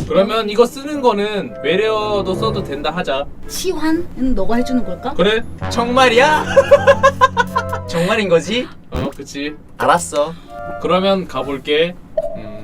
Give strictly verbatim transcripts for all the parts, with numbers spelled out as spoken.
그러면 이거 쓰는 거는 외래어도 써도 된다 하자. 치환은 너가 해주는 걸까? 그래? 정말이야? 정말인 거지? 어, 그치. 알았어. 그러면 가볼게. 음,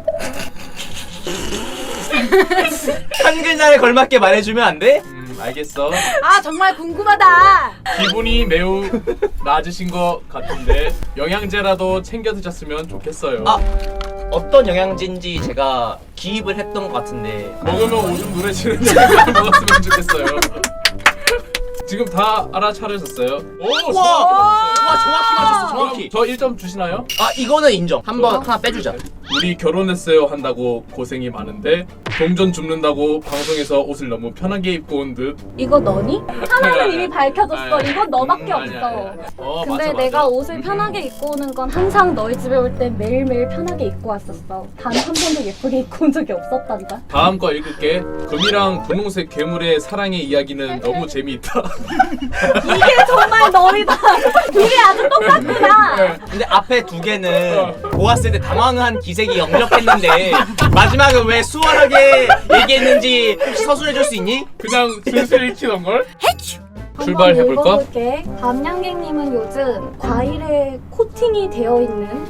한 글자에 걸맞게 말해주면 안 돼? 음, 알겠어. 아 정말 궁금하다. 기분이 매우 낮으신 것 같은데 영양제라도 챙겨 드셨으면 좋겠어요. 아, 어떤 영양제인지 제가 기입을 했던 것 같은데. 먹으면 오줌 누래지는 영양제를 먹었으면 좋겠어요. 지금 다 알아차리셨어요? 오, 우와! 정확히 와, 정확히 맞췄어, 그럼 정확히. 저 일 점 주시나요? 아, 이거는 인정. 한번 하나 빼주자. 우리 결혼했어요 한다고 고생이 많은데 동전 줍는다고 방송에서 옷을 너무 편하게 입고 온 듯. 이거 너니? 하나는 아니, 이미 아니, 밝혀졌어. 아니, 이건 너밖에 음, 아니, 없어. 아니, 아니. 어, 근데 맞아, 내가 맞아. 옷을 음. 편하게 입고 오는 건 항상 너희 집에 올 때 매일매일 편하게 입고 왔었어. 단 한 번도 예쁘게 입고 온 적이 없었단다. 다음 거 읽을게. 금이랑 분홍색 괴물의 사랑의 이야기는 너무 재미있다. 이게 정말 너희다. 이게 아주 똑같구나. 근데 앞에 두 개는 보았을 때 당황한 기색이 역력했는데 마지막에 왜 수월하게 얘기했는지 혹시 서술해줄 수 있니? 그냥 슬슬 익히던 걸? 한번 출발해볼까? 읽어볼게. 밤양갱님은 요즘 과일에 코팅이 되어 있는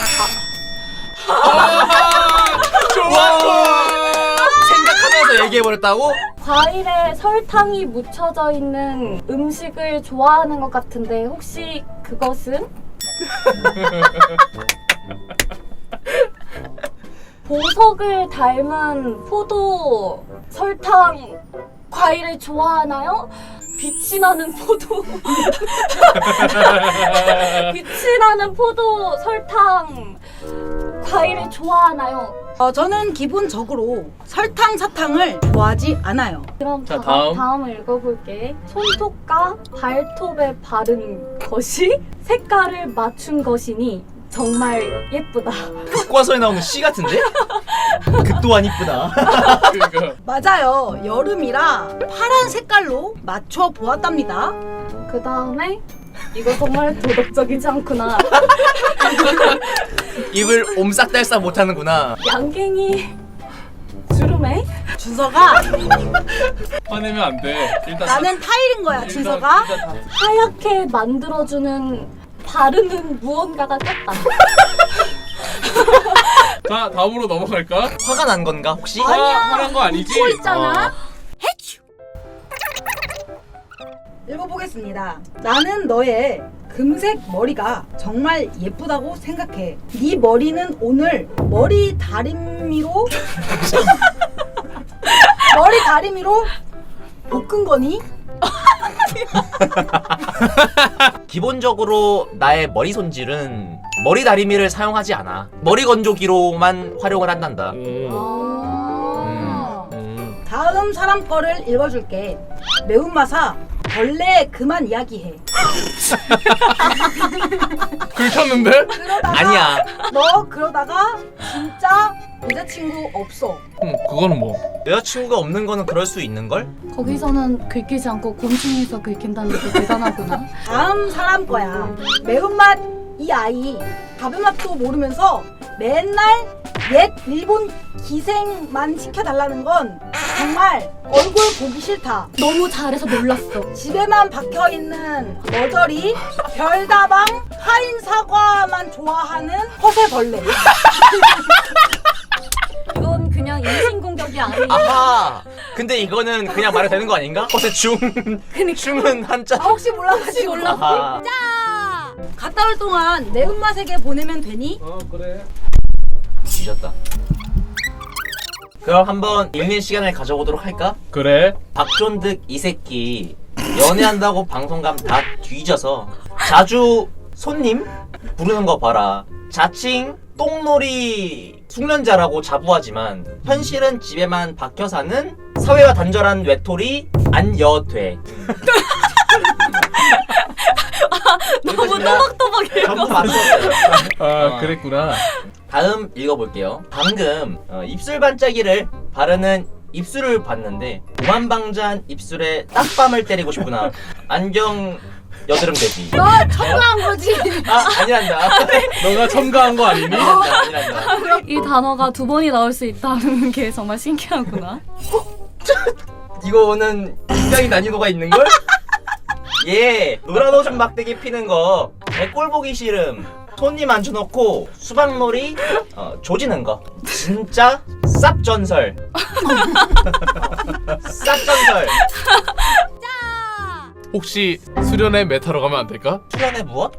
아, 좋아. 생각하면서 얘기해버렸다고? 과일에 설탕이 묻혀져 있는 음식을 좋아하는 것 같은데 혹시 그것은? 보석을 닮은 포도 설탕 과일을 좋아하나요? 빛이 나는 포도 빛이 나는 포도 설탕 과일을 좋아하나요? 어, 저는 기본적으로 설탕 사탕을 좋아하지 않아요. 그럼 자, 다, 다음. 다음을 읽어볼게. 손톱과 발톱에 바른 것이 색깔을 맞춘 것이니 정말 예쁘다. 교과서에 나오는 시 같은데? 그 또한 이쁘다. 그러니까 맞아요. 여름이라 파란 색깔로 맞춰 보았답니다. 그 다음에 이거 정말 도덕적이지 않구나. 입을 옴싹달싹 못하는구나. 양갱이 주름에 준서가 화내면 안 돼. 일단 나는 타일인 거야. 일단- 준서가 일단 다- 하얗게 만들어주는 바르는 무언가가 떴다. 자, 다음으로 넘어갈까? 화가 난 건가 혹시? 화, 화난 거 아니지? 웃고 있잖아. 어. 읽어보겠습니다. 나는 너의 금색 머리가 정말 예쁘다고 생각해. 네 머리는 오늘 머리 다리미로 머리 다리미로 볶은 거니? 기본적으로 나의 머리 손질은 머리 다리미를 사용하지 않아. 머리 건조기로만 활용을 한단다. 오. 아. 음. 다음 사람 거를 읽어줄게. 매운맛아 벌레 그만 이야기해. 긁혔는데? 그러다가 아니야. 너 그러다가 진짜 여자친구 없어. 음, 그거는 뭐? 여자친구가 없는 거는 그럴 수 있는걸? 거기서는 긁히지 않고 곤충에서 긁힌다는 게 대단하구나. 다음 사람 거야. 매운맛 이 아이 밥의 맛도 모르면서 맨날 옛 일본 기생만 시켜달라는 건 정말 얼굴 보기 싫다. 너무 잘해서 놀랐어. 집에만 박혀있는 머저리 별다방 파인 사과만 좋아하는 허세벌레. 이건 그냥 인신공격이 아니야. 아하. 근데 이거는 그냥 말해도 되는 거 아닌가? 허세 충. 충은 한자. 아, 혹시 몰라가지고 아하. 갔다 올 동안 매운맛에게 보내면 되니? 어, 그래. 뒤졌다. 그럼 한번 읽는 시간을 가져보도록 할까? 그래. 박존득 이 새끼 연애한다고 방송감 다 뒤져서 자주 손님 부르는 거 봐라. 자칭 똥놀이 숙련자라고 자부하지만 현실은 집에만 박혀 사는 사회와 단절한 외톨이 안여돼. 너무 또박또박 읽어. 전부 맞췄어요. 아, 그랬구나. 다음 읽어볼게요. 방금 어, 입술 반짝이를 바르는 입술을 봤는데 오만방자한 입술에 딱밤을 때리고 싶구나. 안경 여드름 돼지. 너 첨가한 거지. 아 아니란다. 너가 첨가한 거 아니니? 아니란다 아니란다. 이 단어가 두 번이 나올 수 있다는 게 정말 신기하구나. 이거는 굉장히 난이도가 있는 걸? 예, 노란 오줌 막대기 피는 거, 꼴 보기 싫음, 손님 앉혀놓고 수박놀이, 어, 조지는 거. 진짜 쌉전설. 쌉전설. 혹시 수련회 메타로 가면 안 될까? 수련회 무엇?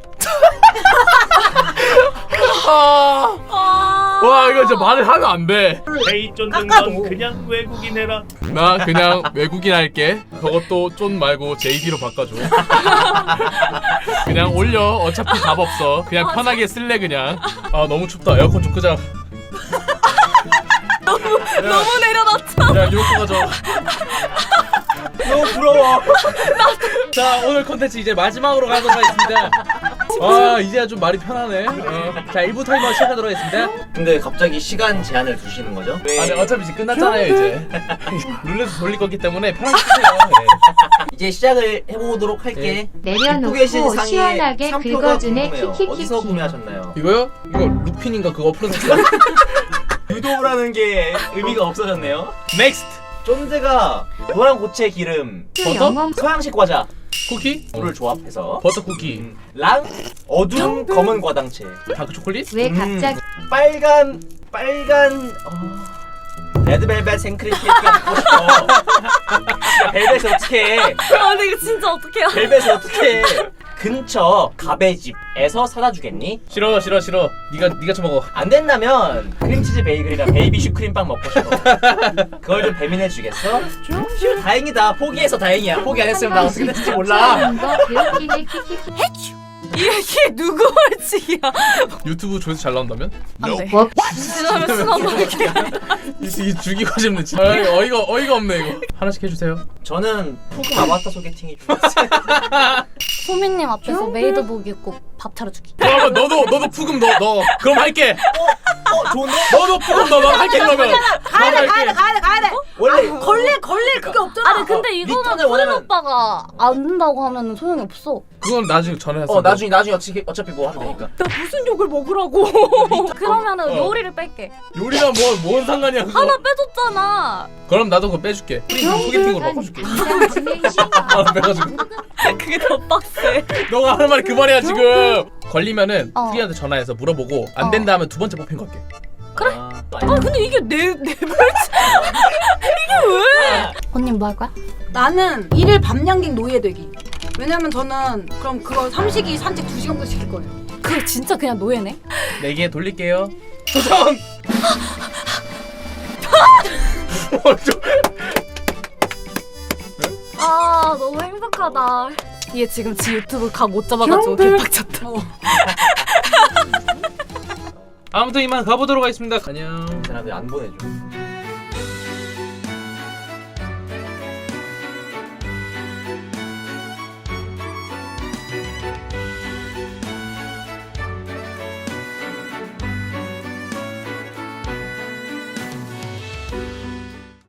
아, 와 이거 진짜 말을 하면 안 돼. 에이 쫀든 깎아도. 건 그냥 외국인 해라. 나 그냥 외국인 할게. 저것도 쫀 말고 제이디로 바꿔줘. 그냥 올려. 어차피 답 없어. 그냥 편하게 쓸래 그냥. 아 너무 춥다. 에어컨 좀 끄자. 너무 내려놨다. 야 이거 가져. 너무 부러워. 자 오늘 컨텐츠 이제 마지막으로 가도록 하겠습니다. 아 이제야 좀 말이 편하네. 어. 자 일 부 타이머 시작하도록 하겠습니다. 근데 갑자기 시간 제한을 두시는 거죠? 왜? 아니 어차피 이제 끝났잖아요 이제. 룰렛 돌릴 거기 때문에 편하게 쓰세요. 네. 이제 시작을 해보도록 할게. 입고 계신 내려놓고 상에 시원하게 상표가 긁어주네. 궁금해요. 어디서 키키키키. 구매하셨나요? 이거요? 이거 루핀인가 그거 어플에서 샀어요? 유도라는 게 의미가 없어졌네요. 넥스트. 쫀드가 노란 고체 기름, 그 버터? 영업 서양식 과자, 쿠키? 물을 조합해서 버터 쿠키. 음, 랑 어두운 검은 과당체, 다크 초콜릿? 왜 음, 갑자기 빨간 빨간 어... 레드벨벳 생크림 케이크가 먹고 싶어. 야, 벨벳을 어떻게 해? 아 근데 이거 진짜 어떡해요? 벨벳을 어떻게 해? 근처 가베집에서 사다 주겠니? 싫어 싫어 싫어. 네가 네가 처먹어. 안 된다면 크림치즈 베이글이랑 베이비 슈크림빵 먹고 싶어. 그걸 좀 배민해 주겠어? 휴 다행이다. 포기해서 다행이야. 포기 안 했으면 나 어떻게 됐을지 몰라. 거 배웃기네 키키키. 이게 누구 벌칙이야? 유튜브 조회수 잘 나온다면? 안 돼. 뭐? 지나면 수납할게. 이, 이 죽이고 싶네 진짜. 어이, 어이가 어이가 없네 이거. 하나씩 해주세요. 저는 푸금 아바타 소개팅이 좋았어요. 소민님 앞에서 메이드복 입고 밥 차려주기. 그러면 너도 너도 푸금 넣어 넣어. 그럼 할게. 어 좋은데? 너도 푸금 넣어. 난 할게 그러면. 가야 돼, 가야 돼, 가야 돼, 가야 돼. 원래 걸릴, 걸릴 그게 없잖아. 아니 근데 이거는 리턴을 푸른 원하면- 오빠가 안 된다고 하면 소용이 없어. 그건 나중에 전화해서. 어 나중에 나중에 어차피 어차피 뭐 하면 되니까. 나 무슨 욕을 먹으라고. 그러면은 어. 요리를 뺄게. 요리랑 뭐뭔 상관이야 그거. 하나 빼줬잖아. 그럼 나도 그거 빼줄게. 프린 소개팅으로 바꿔줄게. 이상 진행시. 하나 빼가지고. 그게 더 빡세. 너가 하는 말이 그 말이야 지금. 걸리면은 어. 프리한테 전화해서 물어보고 안 어. 된다 하면 두 번째 뽑힌 거 할게. 그래? 아, 또 아니야. 아 근데 이게 내 내 벌칙. 이게 왜? 언니 뭐 할 거야? 나는 일일 밤양갱 노예되기. 왜냐면 저는 그럼 그거 삼식이 산책 두 시간부터 시킬 거예요. 그거 진짜 그냥 노예네. 네 개 돌릴게요. 도전. 어, 좀- 아 너무 행복하다. 얘 지금 지 유튜브 각 못 잡아가지고 개빡쳤다. 아무튼 이만 가보도록 하겠습니다. 안녕. 사람들 안 보내줘.